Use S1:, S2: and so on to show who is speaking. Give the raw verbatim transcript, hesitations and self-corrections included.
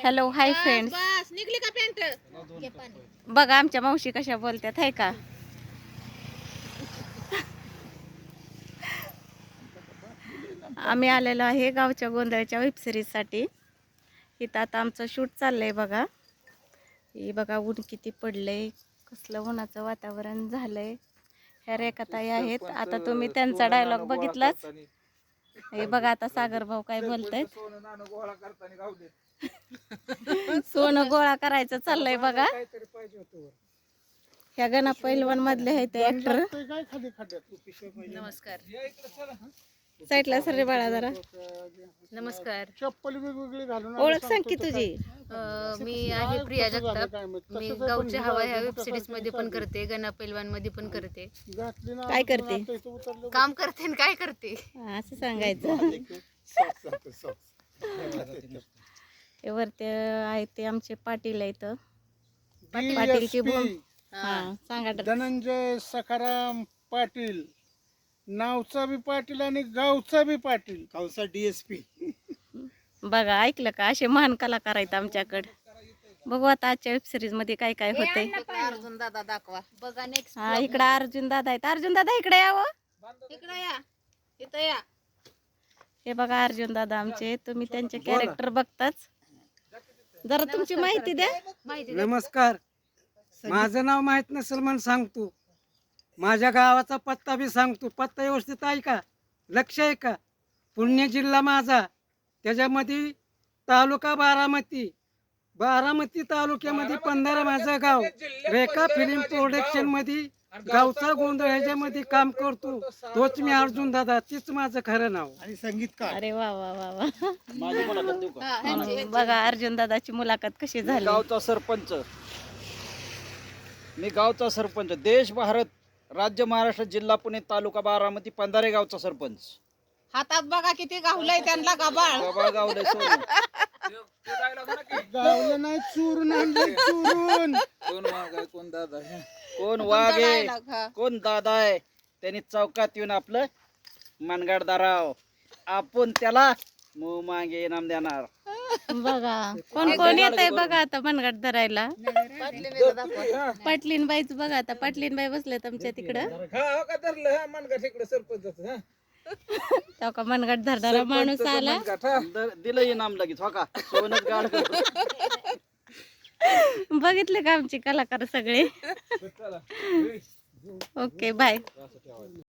S1: Hello hi friends,
S2: बस निघली का pant?
S1: बघा आमच्या मावशी कशा बोलतात आहे का. आम्ही आलेलो आहे गावच्या गोंधळच्या वेबसिरीजसाठी. इथं आता आमचं शूट चाललंय बघा. हे बघा ऊन किती पडलंय, कसलं उन्हाचं वातावरण झालंय. ह्या रेखाताई आहेत. आता तुम्ही त्यांचा डायलॉग बघितलाच. हे बघा आता सागर भाऊ काय बोलतायत. सोनं गोळा करायचं चाललंय बघा. ह्या गणा पैलवान मधले आहेत ते ऍक्टर.
S2: नमस्कार
S1: साईडला सर बाळा जरा.
S2: नमस्कार.
S3: चप्पल वेगवेगळी घालून
S1: ओळख सांग की तुझी.
S2: अं, मी आहे प्रिया जगताप. मी गावची हवा ह्या वेब सिरीज मध्ये पण करते, गणा पैलवान मध्ये पण करते.
S1: काय करते?
S2: काम करते आणि काय करते
S1: हा, असं सांगायचं. हे वरते आहेत ते आमचे पाटील आहेत. पाटीलची भूम. हा सांगा.
S3: धनंजय सखाराम पाटील, नावचा बी पाटील आणि गावचा बी पाटील, गावचा डीएसपी.
S1: बघा ऐकलं का, असे महान कलाकार आहेत आमच्याकडे. बघू आता आजच्या वेब सिरीज मध्ये काय काय होतंय.
S2: अर्जुन दादा दाखवा बघा नेक्स्ट.
S1: हा इकडे अर्जुन दादा आहेत. अर्जुन दादा इकडे यावं.
S2: इकडे या, इथं या.
S1: हे बघा अर्जुन दादा आमचे. तुम्ही त्यांचे कॅरेक्टर बघताच. जरा तुमची माहिती द्या.
S2: माहिती द्या.
S4: नमस्कार, माझं नाव माहित नसेल म्हणून सांगतो. माझ्या गावाचा पत्ता बी सांगतो. पत्ता व्यवस्थित आहे का, लक्ष आहे का? पुणे जिल्हा माझा, त्याच्यामध्ये तालुका बारामती. बारामती तालुक्यामध्ये पंधरा माझं गाव. रेखा फिल्म प्रोडक्शन मध्ये गावचा गोंधळ ह्याच्यामध्ये काम करतो. तोच मी अर्जुन दादा, तीच माझं खरं नाव.
S3: आणि संगीतकार.
S1: अरे वा वा वा वा.
S2: हा, ह्यांची-
S1: बघा अर्जुन दादाची मुलाखत कशी झाली.
S5: गावचा सरपंच, मी गावचा सरपंच, देश भारत राज्य महाराष्ट्र जिल्हा पुणे तालुका बारामती पंधारे गावचा सरपंच.
S2: हातात बघा किती गावलंय त्यांना गबाळ.
S5: गबाळ गावलंय सोनं.
S3: गावलं नाही, चोरून आणलं, चोरून.
S5: कोण वाघ आहे, कोण दादा आहे, कोण वाघ आहे, कोण दादा आहे. त्यांनी चौकात येऊन आपलं मनगड धराव, आपण त्याला मू मागे इनाम देणार.
S1: बघा कोण कोण येत आहे बघा आता मनगट धरायला. पाटलीनबाईच बघा आता. पाटलीनबाई बसले तुमच्या तिकडं. तेव्हा का मनगट धरणारा माणूस आला.
S5: द- दिलं इनाम लगेच हो का, सोनच गाड.
S1: बघितले का आमचे कलाकार सगळे. Okay bye.